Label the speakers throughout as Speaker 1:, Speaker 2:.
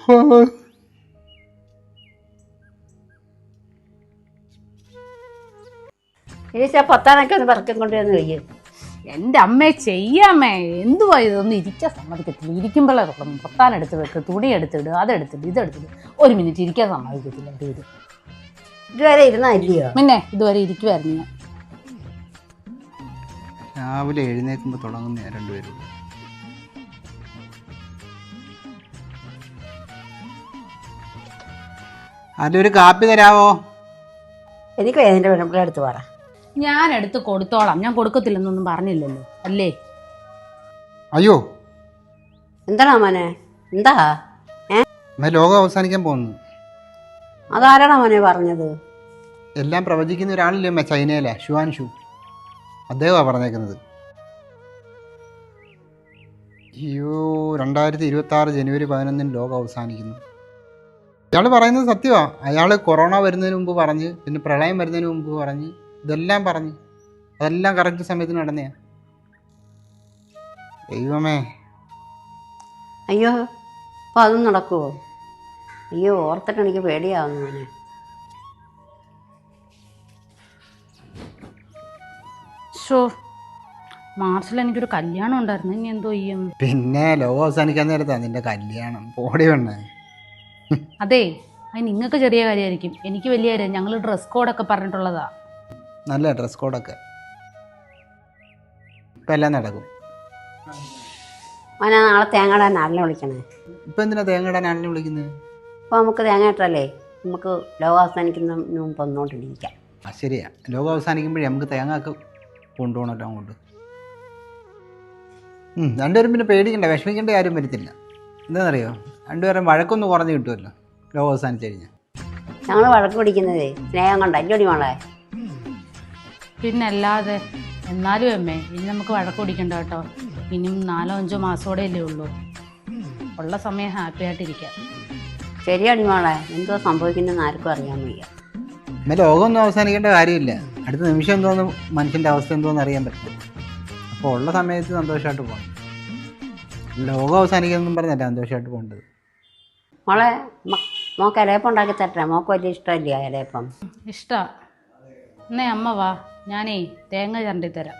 Speaker 1: ഈശ പൊത്താനൊക്കെ ഒന്ന് പറക്കം കൊണ്ടുവന്ന് കഴിയും.
Speaker 2: എൻ്റെ അമ്മയെ ചെയ്യാമേ, എന്തുവാ ഇതൊന്നും ഇരിക്കാൻ സമ്മതിക്കത്തില്ല. ഇരിക്കുമ്പോഴേ തുടങ്ങും. പൊത്താൻ എടുത്ത് വെക്ക്, തുണി എടുത്തിട്, അതെടുത്തിട്ട് ഇതെടുത്തിട്ട് ഒരു മിനിറ്റ് ഇരിക്കാൻ സമ്മതിക്കത്തില്ല. എൻ്റെ ഇത്
Speaker 1: ഇതുവരെ ഇരുന്നില്ലയോ?
Speaker 2: പിന്നെ ഇതുവരെ ഇരിക്കുമായിരുന്നു ഞാൻ.
Speaker 3: രാവിലെ എഴുന്നേൽക്കുമ്പോൾ തുടങ്ങുന്ന രണ്ടുപേരും. അതിലൊരു കാപ്പി തരാവോ?
Speaker 1: എനിക്ക് എൻ്റെ പെൺപിള്ളേ അടുത്ത് പറ.
Speaker 2: ഞാൻ എടുത്ത് കൊടുത്തോളാം. ഞാൻ കൊടുക്കത്തില്ലെന്നൊന്നും പറഞ്ഞില്ലല്ലോ അല്ലേ?
Speaker 3: അയ്യോ,
Speaker 1: എന്താണോ മോനെ? എന്താ
Speaker 3: ലോകം അവസാനിക്കാൻ പോകുന്നു.
Speaker 1: അതാരാണോ മോനെ പറഞ്ഞത്?
Speaker 3: എല്ലാം പ്രവചിക്കുന്ന ഒരാളില്ലേ അമ്മ, ചൈനയിലെ ഷുവാൻഷു. അദ്ദേഹമാണ് പറഞ്ഞേക്കുന്നത്. അയ്യോ, 2026 ജനുവരി 11 ലോകം അവസാനിക്കുന്നു. അയാൾ പറയുന്നത് സത്യമാണ്. അയാൾ കൊറോണ വരുന്നതിന് മുമ്പ് പറഞ്ഞ്, പിന്നെ പ്രളയം വരുന്നതിന് മുമ്പ് പറഞ്ഞ്, ഇതെല്ലാം പറഞ്ഞ് അതെല്ലാം കറക്റ്റ് സമയത്തിന് നടന്നെയാ. ദൈവമേ.
Speaker 1: അയ്യോ, അപ്പോൾ അതും നടക്കുമോ? അയ്യോ, ഓർത്തിട്ട് എനിക്ക് പേടിയാവുന്നു മോനെ.
Speaker 2: ഷോ, മാർച്ചിൽ എനിക്കൊരു കല്യാണം ഉണ്ടായിരുന്നു. ഇനി എന്തോ ചെയ്യും?
Speaker 3: പിന്നെ ലോകം അവസാനിക്കാൻ നേരത്താണ് നിന്റെ കല്യാണം. പോടി വേണേ.
Speaker 2: അതെ, അത് നിങ്ങൾക്ക് ചെറിയ കാര്യമായിരിക്കും, എനിക്ക് വലിയ കാര്യം. ഞങ്ങൾ ഡ്രസ് കോഡൊക്കെ പറഞ്ഞിട്ടുള്ളതാ.
Speaker 3: നല്ല ഡ്രസ് കോഡൊക്കെ ഇപ്പം എല്ലാം നടക്കും.
Speaker 1: മോനെ, നാളെ തേങ്ങ ഇടാൻ ആളിനെ വിളിക്കണേ.
Speaker 3: ഇപ്പം എന്തിനാ തേങ്ങ ഇടാൻ ആളിനെ വിളിക്കുന്നത്?
Speaker 1: അപ്പോൾ നമുക്ക് തേങ്ങ ഇട്ടല്ലേ നമുക്ക് ലോകം അവസാനിക്കുന്നതിന് മുമ്പ് ഒന്നുകൊണ്ടിരിക്കാം.
Speaker 3: ആ ശരിയാ, ലോകം അവസാനിക്കുമ്പോഴേ നമുക്ക് തേങ്ങ ഒക്കെ കൊണ്ടുപോകണല്ലോ അങ്ങോട്ട്. രണ്ടുപേരും പിന്നെ പേടിക്കണ്ട, വിഷമിക്കേണ്ട കാര്യം വരത്തില്ല. എന്താണെന്നറിയോ, രണ്ടുപേരും വഴക്കൊന്ന് കുറഞ്ഞ് കിട്ടുമല്ലോ ലോകം അവസാനിച്ച് കഴിഞ്ഞാൽ.
Speaker 1: ഞങ്ങൾ വഴക്ക് പിടിക്കുന്നതേ സ്നേഹം കൊണ്ട അല്ലടി മോളെ.
Speaker 2: പിന്നല്ലാതെ. എന്നാലും അമ്മേ, ഇനി നമുക്ക് വഴക്ക് പിടിക്കണ്ട കേട്ടോ. ഇനിയും 4-5 മാസത്തോടെ അല്ലേ ഉള്ളൂ. ഉള്ള സമയം ഹാപ്പി ആയിട്ടിരിക്കാം.
Speaker 1: ശരിയടി മോളെ, എന്തോ സംഭവിക്കുന്നതെന്ന് ആർക്കും അറിയാൻ വയ്യ.
Speaker 3: എന്നാൽ ലോകമൊന്നും അവസാനിക്കേണ്ട കാര്യമില്ല. അടുത്ത നിമിഷം എന്തോന്ന് മനുഷ്യൻ്റെ അവസ്ഥ എന്തോന്ന് അറിയാൻ പറ്റും. അപ്പോൾ ഉള്ള സമയത്ത് സന്തോഷമായിട്ട് പോകണം. ലോകം അവസാനിക്കുന്നതെന്നും പറഞ്ഞല്ല സന്തോഷമായിട്ട് പോകേണ്ടത്.
Speaker 1: മോളെ, മോക്ക് ഇലയപ്പം ഉണ്ടാക്കി തരട്ടെ? മോക്ക് വലിയ ഇഷ്ടമല്ലേ ഇലയപ്പം?
Speaker 2: ഇഷ്ടമാണ്. എന്നേ അമ്മ വാ, ഞാനേ തേങ്ങ ചരണ്ടി തരാം.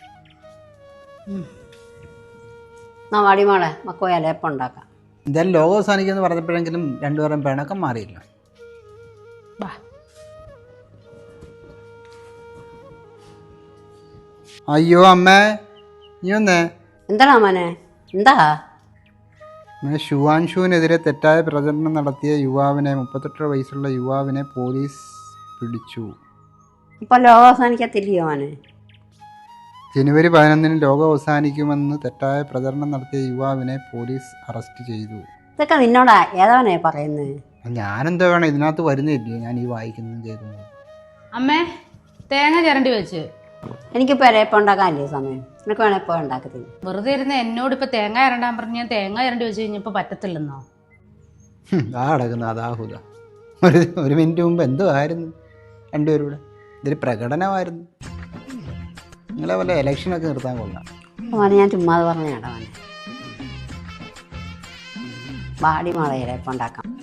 Speaker 1: എന്നാ വാടി മോളെ, നമുക്ക് പോയി ഇലയപ്പം ഉണ്ടാക്കാം.
Speaker 3: എന്തായാലും ലോകം അവസാനിക്കുമെന്ന് പറഞ്ഞപ്പോഴെങ്കിലും രണ്ടുപേരും പിണക്കം മാറിയില്ല.
Speaker 2: വാ.
Speaker 3: അയ്യോ അമ്മേ, നീ വന്നേ.
Speaker 1: എന്താണോ മോനെ? എന്താ?
Speaker 3: ഷുവാൻഷുവിനെതിരെ തെറ്റായ പ്രചരണം നടത്തിയ യുവാവിനെ 38 വയസ്സുള്ള യുവാവിനെ പോലീസ് പിടിച്ചു.
Speaker 1: ഇപ്പം ലോകം അവസാനിക്കത്തില്ലയോ മോനെ?
Speaker 3: ജനുവരി 11 ലോകം അവസാനിക്കുമെന്ന് തെറ്റായ പ്രചരണം നടത്തിയ യുവാവിനെ പോലീസ് അറസ്റ്റ് ചെയ്തു.
Speaker 1: ഇതൊക്കെ നിന്നോടാ ഏതവനെ പറയുന്നത്?
Speaker 3: ഞാനെന്തോ വേണം, ഇതിനകത്ത് വരുന്നില്ലേ ഞാൻ ഈ വായിക്കുന്നതും കേൾക്കുന്നത്.
Speaker 2: അമ്മേ, തേങ്ങ ചരണ്ടി വെച്ച്.
Speaker 1: എനിക്കിപ്പോൾ ഇലയപ്പം ഉണ്ടാക്കാനല്ലേ സമയം? നിനക്ക് വേണേൽ ഇപ്പോൾ ഉണ്ടാക്കത്തില്ല.
Speaker 2: വെറുതെ ഇരുന്ന് എന്നോട് ഇപ്പം തേങ്ങ ചരണ്ടാൻ പറഞ്ഞ് ഞാൻ തേങ്ങ ചരണ്ടി വെച്ച് കഴിഞ്ഞപ്പോൾ പറ്റത്തില്ലെന്നോ?
Speaker 3: ആ കിടക്കുന്ന അതാഹുല. ഒരു മിനിറ്റ് മുമ്പ് എന്തോ ആയിരുന്നു രണ്ടുപേരും കൂടെ. ഇതൊരു പ്രകടനമായിരുന്നു. നിങ്ങളെ വല്ല ഇലക്ഷനൊക്കെ നിർത്താൻ കൊള്ളാം.
Speaker 1: മോനെ, ഞാൻ ചുമ്മാതെ പറഞ്ഞ കേട്ടോ മോനെ. വാടി മോളെ, ഇലയപ്പം ഉണ്ടാക്കാം.